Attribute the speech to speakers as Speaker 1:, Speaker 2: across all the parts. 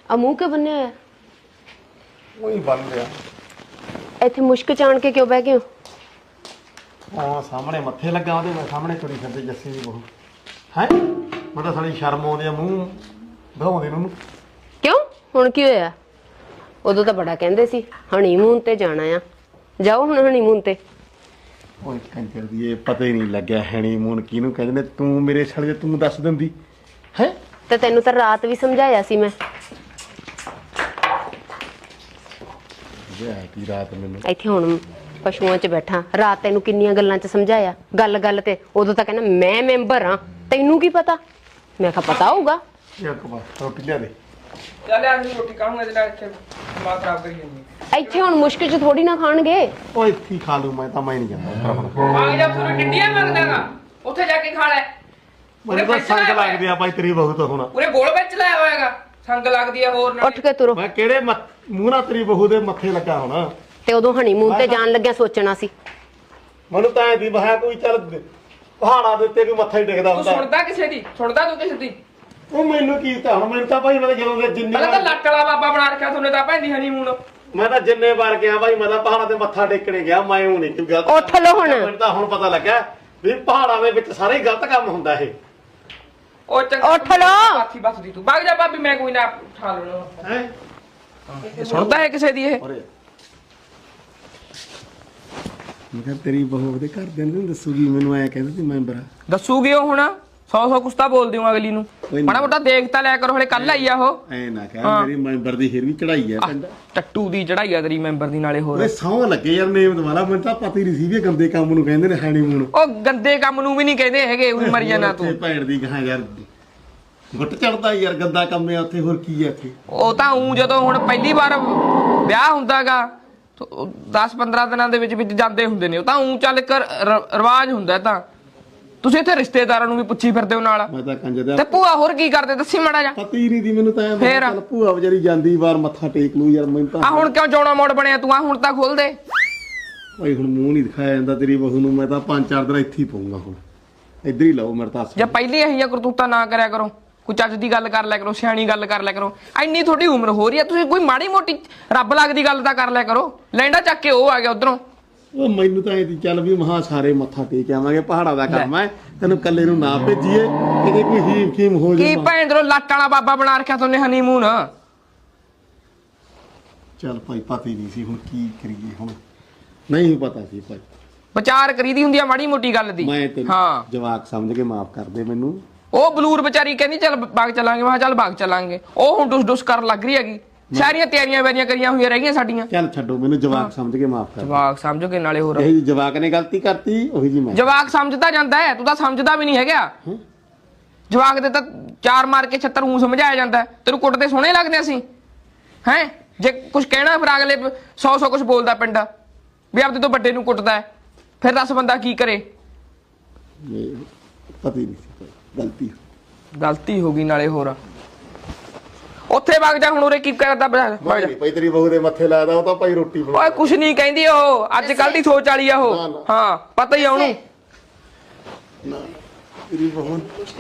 Speaker 1: ਆ ਮੂੰਹ ਕਿਉਂ ਬੰਨਿਆ ਹੋਇਆ?
Speaker 2: ਉਹੀ ਬਣ ਰਿਹਾ।
Speaker 1: ਇੱਥੇ ਮੁਸ਼ਕ ਚਾਣ ਕੇ ਕਿਉਂ ਬਹਿ ਗਏ ਹੋ?
Speaker 2: ਹਾਂ ਸਾਹਮਣੇ ਮੱਥੇ ਲੱਗਾ ਉਹਦੇ, ਮੈਂ ਸਾਹਮਣੇ ਤੁਰੀ ਫਿਰਦੇ ਜੱਸੀ ਦੀ ਬਹੂ ਹੈ। ਮੈਂ ਤਾਂ ਸਾਲੀ ਸ਼ਰਮ ਆਉਂਦੀ ਆ ਮੂੰਹ ਦਿਖਾਉਂਦੇ ਨੂੰ।
Speaker 1: ਕਿਉਂ ਹੁਣ ਕੀ ਹੋਇਆ? ਉਦੋਂ ਤਾਂ ਬੜਾ ਕਹਿੰਦੇ ਸੀ ਹਨੀਮੂਨ ਤੇ ਜਾਣਾ ਆ, ਜਾਓ ਹੁਣ ਹਨੀਮੂਨ ਤੇ।
Speaker 2: ਓਏ ਕੰਜਰ ਦੀ ਇਹ ਪਤਾ ਹੀ ਨਹੀਂ ਲੱਗਿਆ ਹਨੀਮੂਨ ਕਿਹਨੂੰ ਕਹਿੰਦੇ ਨੇ। ਤੂੰ ਮੇਰੇ ਸਾਲੇ ਤੂੰ ਦੱਸ ਦਿੰਦੀ ਹੈ।
Speaker 1: ਤੇ ਤੈਨੂੰ ਤਾਂ ਰਾਤ ਵੀ ਸਮਝਾਇਆ ਸੀ ਮੈਂ।
Speaker 2: ਕੀ ਰਾਤ ਮੈਨੂੰ
Speaker 1: ਇੱਥੇ ਹੁਣ ਪਸ਼ੂਆਂ 'ਚ ਬੈਠਾ, ਰਾਤ ਤੈਨੂੰ ਕਿੰਨੀਆਂ ਗੱਲਾਂ 'ਚ ਸਮਝਾਇਆ। ਗੱਲ ਤੇ ਉਦੋਂ ਤਾਂ ਕਹਿੰਦਾ ਮੈਂ ਮੈਂਬਰ ਆ, ਤੈਨੂੰ ਕੀ ਪਤਾ? ਮੈਂ ਕਿਹਾ ਪਤਾ ਹੋਊਗਾ।
Speaker 2: ਇੱਕ ਵਾਰ ਰੋਟੀ ਲਿਆ ਦੇ।
Speaker 3: ਚੱਲ ਯਾਰ ਨਹੀਂ ਰੋਟੀ ਖਾਣੂਗਾ ਇਹਦੇ ਨਾਲ ਇੱਥੇ ਦਿਮਾਗ ਖਰਾਬ ਕਰੀ ਜਾਂਦੀ।
Speaker 1: ਇੱਥੇ ਹੁਣ ਮੁਸ਼ਕਿਲ 'ਚ ਥੋੜੀ ਨਾ ਖਾਣਗੇ।
Speaker 2: ਓਏ ਇੱਥੇ ਖਾ ਲੂ, ਮੈਂ ਨਹੀਂ ਜਾਂਦਾ ਹੁਣ।
Speaker 3: ਆ ਜਾ ਤੂੰ ਡਿੰਡੀਆਂ ਮੰਗਦਾਗਾ, ਉੱਥੇ ਜਾ ਕੇ ਖਾ ਲੈ।
Speaker 2: ਮੈਨੂੰ ਤਾਂ ਸੰਗ ਲੱਗਦੀ ਆ ਭਾਈ ਤੇਰੀ ਬਹੂ ਤੋਂ ਹੁਣ।
Speaker 3: ਪੂਰੇ ਗੋਲ ਵਿੱਚ ਲਾਇਆ ਹੋਇਆਗਾ, ਸੰਗ ਲੱਗਦੀ ਆ ਹੋਰ ਨਾਲ।
Speaker 1: ਉੱਠ ਕੇ ਤੁਰੋ।
Speaker 2: ਮੈਂ ਕਿਹੜੇ ਮੂੰਹ ਨਾਲ ਤੇਰੀ ਬਹੂ ਦੇ ਮੱਥੇ ਲੱਗਾ ਹੁਣ।
Speaker 1: ਤੇ ਉਦੋਂ ਹਨੀਮੂਨ ਤੇ ਜਾਣ ਲੱਗਿਆ ਸੋਚਣਾ ਸੀ।
Speaker 2: ਮੈਨੂੰ ਤਾਂ ਐ ਦੀ ਬਹਾ ਕੋਈ ਚੱਲ ਪਹਾੜਾਂ ਦੇ ਉੱਤੇ ਕੋਈ ਮੱਥਾ ਹੀ ਟਿਕਦਾ
Speaker 3: ਤੂੰ
Speaker 2: ਹੁੰਦਾ।
Speaker 3: ਸੁਣਦਾ ਕਿਸੇ ਦੀ? ਸੁਣਦਾ ਤੂੰ ਕਿਸੇ ਦੀ?
Speaker 2: ਉਹ ਮੈਨੂੰ ਕੀ ਤਾਂ ਹੁਣ ਮੈਨੂੰ ਤਾਂ ਭਾਈ ਮੈਂ ਜਦੋਂ ਦੇ ਜਿੰਨੀ
Speaker 3: ਪਹਿਲਾਂ ਤਾਂ ਲੱਟ ਵਾਲਾ ਬਾਬਾ ਬਣਾ ਰੱਖਿਆ ਤੁਹਾਨੂੰ ਤਾਂ ਭੈਂਦੀ ਹਨੀਮੂਨ।
Speaker 2: ਮੈਂ ਤਾਂ ਜਿੰਨੇ ਵਾਰ ਗਿਆ ਭਾਈ, ਮੈਂ ਤਾਂ ਪਹਾੜਾਂ ਤੇ ਮੱਥਾ ਟੇਕਣੇ ਗਿਆ। ਮੈਂ ਉਹ ਨਹੀਂ ਗਲਤ।
Speaker 1: ਉੱਠ ਲਓ ਹੁਣ।
Speaker 2: ਮੈਨੂੰ ਤਾਂ ਹੁਣ ਪਤਾ ਲੱਗਾ ਵੀ ਪਹਾੜਾਂ ਦੇ ਵਿੱਚ ਸਾਰੇ ਗਲਤ ਕੰਮ ਹੁੰਦਾ ਇਹ
Speaker 3: ਉਹ ਚੰਗਾ
Speaker 1: ਉੱਠ ਲਓ।
Speaker 3: ਬਾਥੀ ਬਸਦੀ ਤੂੰ ਵਗ ਜਾ ਭਾਬੀ, ਮੈਂ ਕੋਈ ਨਾ ਉਠਾ ਲੈਣਾ।
Speaker 2: ਹੈ।
Speaker 3: ਸੁਣਦਾ ਹੈ ਕਿਸੇ ਦੀ ਇਹ?
Speaker 2: ਮੈਂ ਕਿਹਾ ਤੇਰੀ ਬਹੂ ਦੇ ਘਰ ਦੇ ਨੂੰ ਦੱਸੂਗੀ ਮੈਨੂੰ, ਐ ਕਹਿੰਦੇ ਸੀ ਮੈਂਬਰ ਆ।
Speaker 3: ਦੱਸੂਗੀ ਉਹ ਹੁਣ 100 ਕੁਛ ਤਾਂ ਬੋਲ ਦਿਓ ਅਗਲੀ ਨੂੰ। ਮਾੜਾ ਮੋਟਾ ਦੇਖ ਤਾਂ ਲਿਆ ਕਰੋ, ਹਲੇ ਕੱਲ ਆਈ ਆ ਉਹ।
Speaker 2: ਐ ਨਾ ਕਹਿ ਮੇਰੀ ਮੈਂਬਰ ਦੀ ਹਿਰ ਵੀ ਚੜਾਈ ਆ ਪਿੰਡ।
Speaker 3: ਟੱਟੂ ਦੀ ਚੜਾਈ ਆ ਤੇਰੀ ਮੈਂਬਰ ਦੀ ਨਾਲੇ ਹੋਰ।
Speaker 2: ਓਏ ਸੌਂ ਲੱਗੇ ਯਾਰ ਨੇਮ ਦੁਆਰਾ, ਮੈਨੂੰ ਤਾਂ ਪਤਾ ਹੀ ਨਹੀਂ ਸੀ ਵੀ ਗੰਦੇ ਕੰਮ ਨੂੰ ਕਹਿੰਦੇ ਨੇ ਹਨੀਮੂਨ।
Speaker 3: ਉਹ ਗੰਦੇ ਕੰਮ ਨੂੰ ਵੀ ਨਹੀਂ ਕਹਿੰਦੇ ਹੈਗੇ, ਉਹੀ ਮਰ ਜਾਣਾ ਤੂੰ।
Speaker 2: ਭੈਣ ਦੀ ਕਹਾਂ ਯਾਰ ਗੁੱਟ ਚੜਦਾ ਯਾਰ, ਗੰਦਾ ਕੰਮ ਆ ਉੱਥੇ। ਹੋਰ ਕੀ ਆ ਇੱਥੇ?
Speaker 3: ਉਹ ਤਾਂ ਉਂ ਜਦੋਂ ਹੁਣ ਪਹਿਲੀ ਵਾਰ ਵਿਆਹ ਹੁੰਦਾਗਾ 10-15 ਦਿਨਾਂ ਦੇ ਵਿੱਚ ਜਾਂਦੇ ਹੁੰਦੇ ਨੇ, ਉਹ ਤਾਂ ਉਂ ਚੱਲ ਕਰ ਰਿਵਾਜ ਹੁੰਦਾ। ਤਾਂ ਤੁਸੀਂ ਇੱਥੇ ਰਿਸ਼ਤੇਦਾਰਾਂ ਨੂੰ ਵੀ ਪੁੱਛੀ ਫਿਰਦੇ ਹੋ ਨਾਲ।
Speaker 2: ਮੈਂ ਤਾਂ ਕੰਜ ਦਾ
Speaker 3: ਤੇ ਭੂਆ ਹੋਰ ਕੀ ਕਰਦੇ ਦੱਸੀ ਮਾੜਾ ਜਾ।
Speaker 2: ਪਤਾ ਹੀ ਨਹੀਂ ਦੀ ਮੈਨੂੰ ਤਾਂ।
Speaker 3: ਫੇਰ?
Speaker 2: ਚੱਲ ਭੂਆ ਵਿਚਾਰੀ ਜਾਂਦੀ ਵਾਰ ਮੱਥਾ ਟੇਕ ਲੂ ਯਾਰ। ਮੈਨੂੰ ਤਾਂ
Speaker 3: ਆ ਹੁਣ ਕਿਉਂ ਜੌਣਾ ਮੋੜ ਬਣਿਆ ਤੂੰ? ਆ ਹੁਣ ਤਾਂ ਖੋਲ ਦੇ
Speaker 2: ਭਾਈ, ਹੁਣ ਮੂੰਹ ਨਹੀਂ ਦਿਖਾਇਆ ਜਾਂਦਾ ਤੇਰੀ ਬਹੂ ਨੂੰ। ਮੈਂ ਤਾਂ 5-4 ਦਿਨ ਇੱਥੇ ਹੀ ਪਊਂਗਾ ਹੁਣ। ਇੱਧਰ ਹੀ ਲਾਓ ਮੇਰੇ ਤਾਂ।
Speaker 3: ਜਾਂ ਪਹਿਲੀ ਇਹੀ ਕਰਤੂਤਾਂ ਨਾ ਕਰਿਆ ਕਰੋ, ਕੋਈ ਚੱਜ ਦੀ ਗੱਲ ਕਰ ਲਿਆ ਕਰੋ, ਸਿਆਣੀ ਗੱਲ ਕਰ ਲਿਆ ਕਰੋ। ਇੰਨੀ ਤੁਹਾਡੀ ਉਮਰ ਹੋ ਰਹੀ ਆ, ਤੁਸੀਂ ਕੋਈ ਮਾੜੀ ਮੋਟੀ ਰੱਬ ਲੱਗਦੀ ਗੱਲ ਤਾਂ ਕਰ ਲਿਆ ਕਰੋ। ਲੈਂਡਾ ਚੱਕ ਕੇ ਉਹ ਆ ਗਿਆ ਉਧਰੋਂ।
Speaker 2: ਉਹ ਮੈਨੂੰ ਤਾਂ ਇਹਦੀ ਚੱਲ ਵੀ ਮਹਾ ਸਾਰੇ ਮੱਥਾ ਟੇਕ ਆਵਾਂਗੇ, ਪਹਾੜਾਂ ਦਾ ਕੰਮ ਹੈ। ਤੈਨੂੰ ਕੱਲੇ ਨੂੰ ਨਾ ਭੇਜੀਏ, ਇਹਦੇ ਕੋਈ ਹੀਮ ਖੀਮ ਹੋ
Speaker 3: ਕੀ
Speaker 2: ਜਾਏ।
Speaker 3: ਭੈਂਦਰੋਂ ਲੱਟ ਵਾਲਾ ਬਾਬਾ ਬਣਾ ਰੱਖਿਆ ਤੁਹਾਨੇ ਹਨੀਮੂਨ।
Speaker 2: ਚੱਲ ਭਾਈ ਪਤਾ ਹੀ ਨਹੀਂ ਸੀ, ਹੁਣ ਕੀ ਕਰੀਏ? ਹੁਣ ਨਹੀਂ ਪਤਾ ਸੀ ਭਾਈ।
Speaker 3: ਵਿਚਾਰ ਕਰੀਦੀ ਹੁੰਦੀ ਆ ਮਾੜੀ ਮੋਟੀ ਗੱਲ ਦੀ।
Speaker 2: ਮੈਂ ਤੈਨੂੰ
Speaker 3: ਹਾਂ
Speaker 2: ਜਵਾਕ ਸਮਝ ਕੇ ਮਾਫ ਕਰ ਦੇ ਮੈਨੂੰ।
Speaker 3: ਉਹ ਬਲੂਰ ਵਿਚਾਰੀ ਕਹਿੰਦੀ ਚੱਲ ਬਾਗ ਚੱਲਾਂਗੇ, ਮੈਂ ਕਿਹਾ ਚੱਲ ਬਾਗ ਚੱਲਾਂਗੇ। ਉਹ ਹੁਣ ਡੁਸ ਕਰਨ ਲੱਗ ਰਹੀ ਹੈਗੀ। ਸਾਰੀਆਂ ਤਿਆਰੀਆਂ ਵੈਰੀਆਂ ਕਰੀਆਂ ਹੋਈਆਂ ਰਹਿ ਗਈਆਂ ਸਾਡੀਆਂ।
Speaker 2: ਚੱਲ ਛੱਡੋ, ਮੈਨੂੰ ਜਵਾਕ ਸਮਝ ਕੇ ਮਾਫ ਕਰ।
Speaker 3: ਜਵਾਕ ਸਮਝੋਗੇ ਨਾਲੇ ਹੋਰ।
Speaker 2: ਇਹ ਜਵਾਕ ਨੇ ਗਲਤੀ ਕਰਤੀ, ਉਹੀ ਜੀ ਮੈਂ।
Speaker 3: ਜਵਾਕ ਸਮਝਦਾ ਜਾਂਦਾ ਹੈ, ਤੂੰ ਤਾਂ ਸਮਝਦਾ ਵੀ ਨਹੀਂ ਹੈਗਾ। ਜਵਾਕ ਦੇ ਤਾਂ 4 ਮਾਰ ਕੇ 76 ਊਂ ਸਮਝਾਇਆ ਜਾਂਦਾ। ਤੈਨੂੰ ਕੁੱਟਦੇ ਸੋਹਣੇ ਲੱਗਦੇ ਅਸੀਂ ਹੈ? ਜੇ ਕੁਝ ਕਹਿਣਾ ਫਿਰ ਅਗਲੇ 100 ਕੁਝ ਬੋਲਦਾ ਪਿੰਡ ਵੀ ਆਪਦੇ ਤੋਂ ਵੱਡੇ ਨੂੰ ਕੁੱਟਦਾ ਹੈ, ਫਿਰ ਦੱਸ ਬੰਦਾ ਕੀ ਕਰੇ?
Speaker 2: ਪਤਾ ਹੀ ਨਹੀਂ ਸੀ,
Speaker 3: ਗਲਤੀ ਹੋ ਗਈ ਨਾਲੇ ਹੋਰ। ਉੱਥੇ ਵਗ ਜਾ ਹੁਣ, ਉਰੇ ਕੀ ਕਰਦਾ?
Speaker 2: ਭਾਈ ਤੇਰੀ ਬਹੂ ਦੇ ਮੱਥੇ ਲਾਦਾ, ਉਹ ਤਾਂ ਭਾਈ ਰੋਟੀ ਬਣਾ।
Speaker 3: ਓਏ ਕੁਛ ਨਹੀਂ ਕਹਿੰਦੀ ਉਹ, ਅੱਜ ਕੱਲ ਦੀ ਸੋਚ ਵਾਲੀ ਆ ਉਹ। ਹਾਂ ਪਤਾ ਹੀ ਆ ਉਹਨੂੰ।
Speaker 2: ਤੇਰੀ ਬਹੂ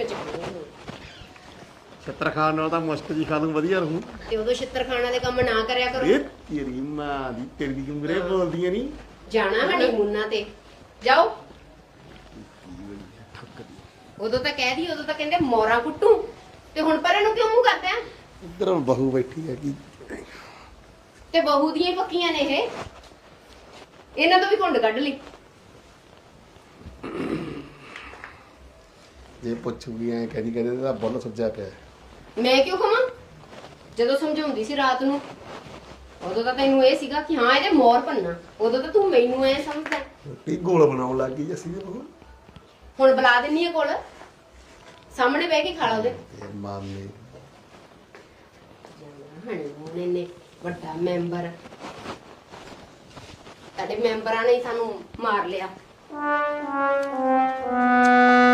Speaker 2: ਛੱਤਰ ਖਾਣ ਨਾਲ ਤਾਂ ਮੁਸ਼ਕ ਜੀ ਖਾ ਲੂੰ, ਵਧੀਆ ਰਹੂੰ।
Speaker 1: ਤੇ ਉਦੋਂ ਛਿੱਤਰ ਖਾਣ ਵਾਲੇ ਕੰਮ ਨਾ ਕਰਿਆ ਕਰੋ।
Speaker 2: ਇਹ ਤੇਰੀ ਮਾਂ ਦੀ, ਤੇਰੀ ਦੀ ਉਮਰੇ ਬੋਲਦੀਆਂ ਨਹੀਂ।
Speaker 1: ਜਾਣਾ ਹਨੀਮੂਨਾਂ ਤੇ ਜਾਓ। ਉਦੋਂ ਤਾਂ ਕਹਿ ਦੀ, ਉਦੋਂ ਤਾਂ ਕਹਿੰਦੇ ਮੋਰਾ ਕੁੱਟੂ, ਤੇ ਹੁਣ ਪਰੇ ਨੂੰ ਕਿਉਂ ਮੂੰਹ ਕਰਦਾ?
Speaker 2: ਇੱਧਰ ਹੁਣ ਬਹੂ ਬੈਠੀ ਹੈਗੀ,
Speaker 1: ਤੇ ਬਹੂ ਦੀਆਂ ਪੱਕੀਆਂ ਨੇ ਇਹ, ਇਹਨਾਂ ਤੋਂ ਵੀ ਘੁੰਡ ਕੱਢ ਲਈ।
Speaker 2: ਜੇ ਪੁੱਛੂਗੀ ਐ ਕਹਿੰਦੀ ਤਾਂ ਬੁੱਲ ਸੱਜਾ ਪਿਆ।
Speaker 1: ਮੈਂ ਕਿਉਂ ਕਹਾਂ? ਜਦੋਂ ਸਮਝਾਉਂਦੀ ਸੀ ਰਾਤ ਨੂੰ, ਉਦੋਂ ਤਾਂ ਤੈਨੂੰ ਇਹ ਸੀਗਾ ਕਿ ਹਾਂ ਇਹਦੇ ਮੋਰ ਭੰਨਾ। ਉਦੋਂ ਤਾਂ ਤੂੰ ਮੈਨੂੰ ਐ ਸਮਝਦਾ।
Speaker 2: ਰੋਟੀ ਗੋਲ ਬਣਾਉਣ ਲੱਗ ਗਈ ਅਸੀਂ ਦੇ ਬਹੂ।
Speaker 1: ਹੁਣ ਬੁਲਾ ਦਿੰਨੀ ਆ ਕੋਲ, ਸਾਹਮਣੇ ਬਹਿ ਕੇ ਖਾ ਲਾ ਉਹਦੇ।
Speaker 2: ਮਾਮੇ
Speaker 1: ਹਣੀਮੂਨ ਇਹਨੇ ਵੱਡਾ ਮੈਂਬਰ, ਸਾਡੇ ਮੈਂਬਰਾਂ ਨੇ ਹੀ ਸਾਨੂੰ ਮਾਰ ਲਿਆ।